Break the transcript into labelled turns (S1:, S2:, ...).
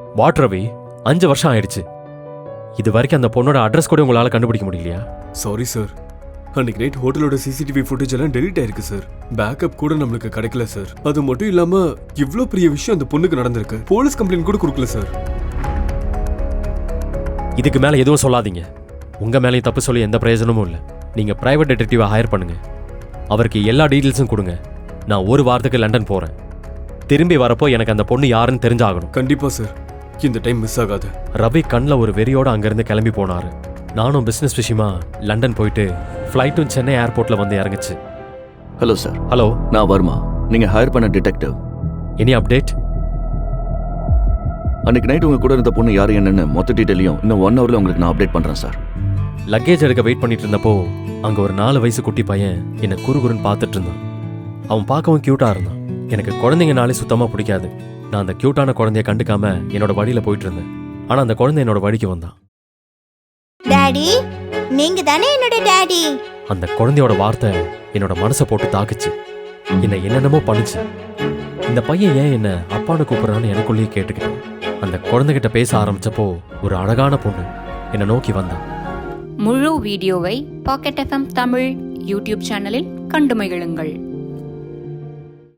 S1: What Ravi, 5 வருஷம் ஆயிடுச்சு. இது வரைக்கும் அந்த பொண்ணோட அட்ரஸ் கூட உங்களால கண்டுபிடிக்க முடியலையா?
S2: சாரி சார், அன்னைக்கு நைட் ஹோட்டலோட சிசிடிவி ஃபுட்டேஜ் எல்லாம் டெலீட் ஆயிருக்கு சார். பேக்கப் கூட நம்மளுக்கு கிடைக்கல சார். அது மட்டும் இல்லாம இவ்ளோ பெரிய விஷயம் அந்த பொண்ணுக்கு நடந்திருக்கு. போலீஸ் கம்ப்ளைண்ட் கூட கொடுக்கல சார்.
S1: இதுக்கு மேல எதுவும் சொல்லாதீங்க. உங்க மேலேயும் தப்பு சொல்லி எந்த பிரயோஜனமும் இல்லை. நீங்க பிரைவேட் டிடெக்டிவா ஹையர் பண்ணுங்க. அவருக்கு எல்லா டீட்டெயில்ஸும் கொடுங்க. நான் ஒரு வாரத்துக்கு லண்டன் போறேன். திரும்பி வரப்போ எனக்கு அந்த பொண்ணு யாருன்னு தெரிஞ்சாகணும்.
S2: கண்டிப்பா சார், இந்த டைம் மிஸ் ஆகாது.
S1: ரவி கண்ணில் ஒரு வெறியோட அங்கிருந்து கிளம்பி போனாரு. நானும் பிசினஸ் விஷயமா லண்டன் போயிட்டு ஃப்ளைட்டும் சென்னை ஏர்போர்ட்ல வந்து இறங்குச்சு.
S3: Hello sir.
S1: ஹலோ,
S3: நான் வர்மா, நீங்க ஹையர் பண்ண டிடெக்டிவ்.
S1: Any update?
S3: அன்னைக்கு நைட் உங்க கூட இருந்த பொண்ணு யாரு என்னன்னு மொத்த டீட்டெயிலையும் இன்னும் 1 ஹவர்ல உங்களுக்கு நான் அப்டேட் பண்றேன் சார்.
S1: லக்கேஜ் எடுக்க வெயிட் பண்ணிட்டு இருந்தப்போ அங்க ஒரு 4 வயசு குட்டி பையன் என்னை குறுகுறுன்னு பார்த்துட்டு இருந்தான். அவன் பார்க்கவும் கியூட்டா இருந்தான். எனக்கு குழந்தைங்கனாலே சுத்தமா பிடிக்காது. நான் அந்த கியூட்டான குழந்தைய கண்டுக்காம என்னோட வழியில போயிட்டு இருந்தேன். ஆனா அந்த குழந்தை என்னோட வழிக்கு வந்தான்.
S4: டாடி, நீங்க தானே என்னோட டாடி.
S1: அந்த குழந்தையோட வார்த்தை என்னோட மனசை போட்டு தாக்குச்சு. என்னை என்னென்னமோ பண்ணுச்சு. இந்த பையன் ஏன் என்ன அப்பான்னு கூப்பிடுறான்னு எனக்குள்ளேயே கேட்டுக்கிட்டேன். அந்த குழந்தைகிட்ட பேச ஆரம்பிச்சப்போ ஒரு அழகான பொண்ணு என்னை நோக்கி வந்தான்.
S5: முழு வீடியோவை பாக்கெட் FM தமிழ் யூடியூப் சேனலில் கண்டு மகிழுங்கள்.